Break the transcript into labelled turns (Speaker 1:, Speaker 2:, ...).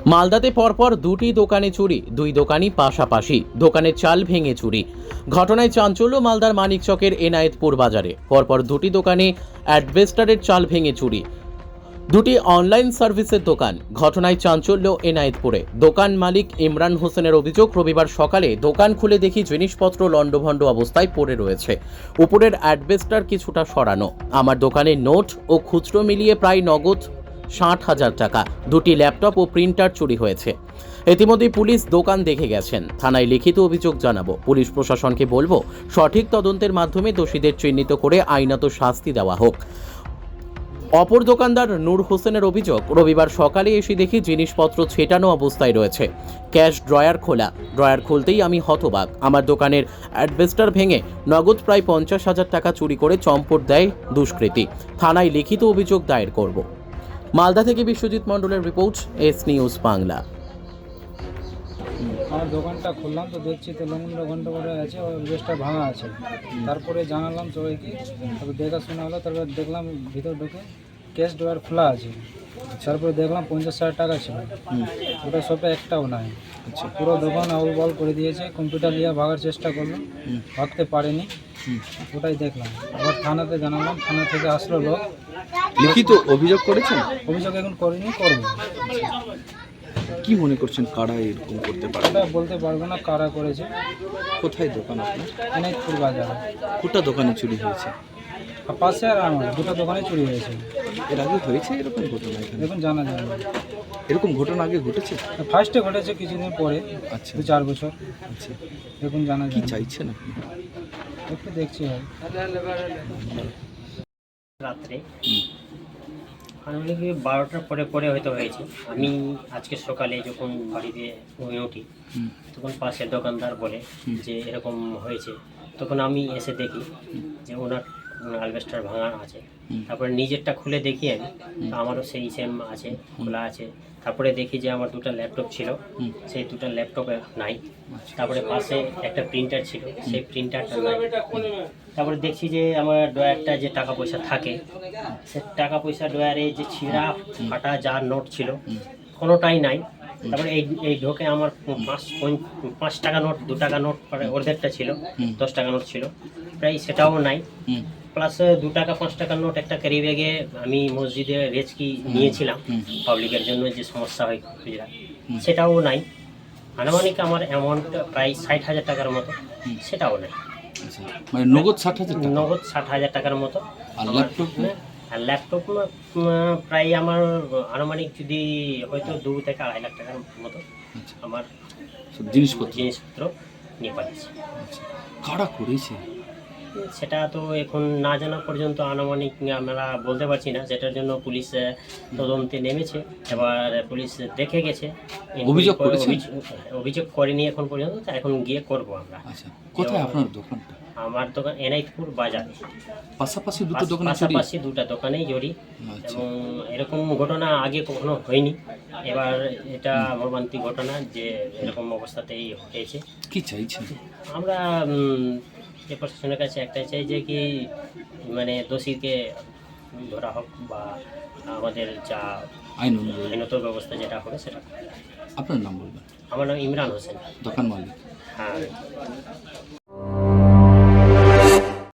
Speaker 1: মালদাতে পরপর দুটি দোকানে চুরি, দুই দোকানই পাশাপাশি, দোকানের চাল ভেঙে চুরি। ঘটনায় চাঞ্চল্য মালদার মানিকচকের এনায়েতপুর বাজারে। পরপর দুটি দোকানে অ্যাডভেস্টারের চাল ভেঙে চুরি, দুটি অনলাইন সার্ভিসের দোকান। ঘটনায় চাঞ্চল্য এনায়েতপুরে। দোকান মালিক ইমরান হোসেনের অভিযোগ, রবিবার সকালে দোকান খুলে দেখি জিনিসপত্র লণ্ডভণ্ড অবস্থায় পড়ে রয়েছে। উপরের অ্যাডভেস্টার কিছুটা সরানো। আমার দোকানে নোট ও খুচরো মিলিয়ে প্রায় নগদ 60,000 টাকা, দুটি ল্যাপটপ ও প্রিন্টার চুরি হয়েছে। ইতিমধ্যে পুলিশ দোকান দেখে গেছেন। থানায় লিখিত অভিযোগ জানাবো। পুলিশ প্রশাসনকে বলবো, সঠিক তদন্তের মাধ্যমে দোষীদের চিহ্নিত করে আইনত শাস্তি দেওয়া হোক। অপর দোকানদার নূর হোসেনের অভিযোগ, রবিবার সকালে এসে দেখি জিনিসপত্র ছেটানো অবস্থায় রয়েছে। ক্যাশ ড্রয়ার খোলা, ড্রয়ার খুলতেই আমি হতবাক। আমার দোকানের অ্যাডভেস্টার ভেঙে নগদ প্রায় 50,000 টাকা চুরি করে চম্পট দেয় দুষ্কৃতী। থানায় লিখিত অভিযোগ দায়ের করব। মালদা থেকে বিশ্বজিৎ মণ্ডলের রিপোর্ট, এস নিউজ বাংলা।
Speaker 2: আমার দোকানটা খুললাম তো দেখছি তো ঘন্টা করে আছে, ওই বেশটা ভাঙা আছে। তারপরে জানালাম সবাইকে, তারপর দেখাশোনা হলো। তারপর দেখলাম ভিতর ঢুকে ক্যাশ ড্রয়ার খোলা আছে। তারপরে দেখলাম 50,000 টাকা ছিল, ওটা শপে একটাও নাই। আচ্ছা, পুরো দোকান আউল বল করে দিয়েছে। কম্পিউটার নিয়ে ভাগার চেষ্টা করলো, ভাগতে পারেনি। ওটাই দেখলাম। আবার থানাতে জানালাম, থানা থেকে আসলো লোক।
Speaker 3: লিখিত অভিযোগ করেছেন?
Speaker 2: অভিযোগ এখন করিনি, করবো।
Speaker 3: কি মনে করছেন কারা এরকম করতে পারে?
Speaker 2: ওটা বলতে পারবো না কারা করেছে।
Speaker 3: কোথায় দোকান আপনার?
Speaker 2: এনায়েতপুর বাজারে।
Speaker 3: কোটা দোকানে চুরি হয়েছে?
Speaker 2: আর পাশে আর আমার দুটো দোকানে চুরি হয়েছে।
Speaker 3: এর আগে হয়েছে এরকম ঘটনা এখানে?
Speaker 2: এখন জানা যায় না।
Speaker 3: এরকম ঘটনা আগে ঘটেছে?
Speaker 2: ফার্স্টে ঘটেছে কিছুদিন পরে,
Speaker 3: আচ্ছা
Speaker 2: 2-4 বছর।
Speaker 3: আচ্ছা,
Speaker 2: এখন জানা
Speaker 3: কি
Speaker 2: যায় না।
Speaker 3: চাইছেন আপনি?
Speaker 2: একটু দেখছি হয়।
Speaker 4: রাত্রে আনুমানিক 12টার পরে পরে হয়তো হয়েছে। আমি আজকে সকালে যখন বাড়িতে ঘুমিয়ে উঠি, তখন পাশের দোকানদার বলে যে এরকম হয়েছে। তখন আমি এসে দেখি যে ওনার অ্যালবেস্টার ভাঙা আছে। তারপরে নিজেরটা খুলে দেখি আমি, তো আমারও সেই সেম আছে, খোলা আছে। তারপরে দেখি যে আমার দুটো ল্যাপটপ ছিল, সেই দুটো ল্যাপটপে নাই। তারপরে পাশে একটা প্রিন্টার ছিল, সেই প্রিন্টারটা নাই। তারপরে দেখছি যে আমার ড্রয়ারটা যে টাকা পয়সা থাকে, সে টাকা পয়সা ড্রয়ারে যে ছিঁড়া ফাটা যা নোট ছিল কোনোটাই নাই। তারপরে এই ঢোকে আমার 5 টাকা নোট, 2 টাকা নোট অর্ধেকটা ছিল, 10 টাকা নোট ছিল প্রায়, সেটাও নাই। প্লাস 2 টাকা 5 টাকার নোট একটা ক্যারি ব্যাগে আমি মসজিদে রেজকি নিয়েছিলাম পাবলিকের জন্য, যে সমস্যা হয় খুচরা, সেটাও নাই। আনুমানিক আমার অ্যামাউন্ট প্রায় 60,000 টাকার মতো, সেটাও নাই।
Speaker 3: মানে নগদ 60,000 টাকা?
Speaker 4: নগদ 60,000 টাকার মতো।
Speaker 3: আর ল্যাপটপ?
Speaker 4: আর ল্যাপটপ প্রায় আমার আনুমানিক যদি হয়তো 2 থেকে 2.5 লাখ টাকার মতো আমার
Speaker 3: সব জিনিসপত্র
Speaker 4: নিয়ে পাঠিয়েছি।
Speaker 3: কারা করেছে
Speaker 4: সেটা তো এখন না জানা পর্যন্ত আনুমানিক আমরা বলতে পারছি না। সেটার জন্য পুলিশ তদন্তে নেমেছে, এবার পুলিশ দেখে গেছে।
Speaker 3: অভিযোগ করেছে?
Speaker 4: অভিযোগ করেনি এখন পর্যন্ত, এখন গিয়ে করব আমরা।
Speaker 3: আচ্ছা, কোথায় আপনার দোকানটা?
Speaker 4: আমার দোকান এনায়েতপুর বাজারে।
Speaker 3: পাশাপাশি দুটো দোকানে চুরি?
Speaker 4: পাশাপাশি 2টা দোকানেই জড়ি।
Speaker 3: আচ্ছা।
Speaker 4: এবং এরকম ঘটনা আগে কখনো হয়নি, এবার এটা মর্মান্তিক ঘটনা যে এরকম অবস্থাতেই হয়েছে।
Speaker 3: কি চাইছেন? আমরা
Speaker 4: যে প্রশাসনের কাছে একটাই চাই যে কি মানে দোষীকে ধরা হোক, বা আমাদের যা
Speaker 3: আইন অনুযায়ী
Speaker 4: আইনত ব্যবস্থা যেটা হবে সেটা।
Speaker 3: আপনার নাম বলবেন?
Speaker 4: আমার নাম ইমরান হোসেন,
Speaker 3: দোকান মালিক।
Speaker 4: হ্যাঁ।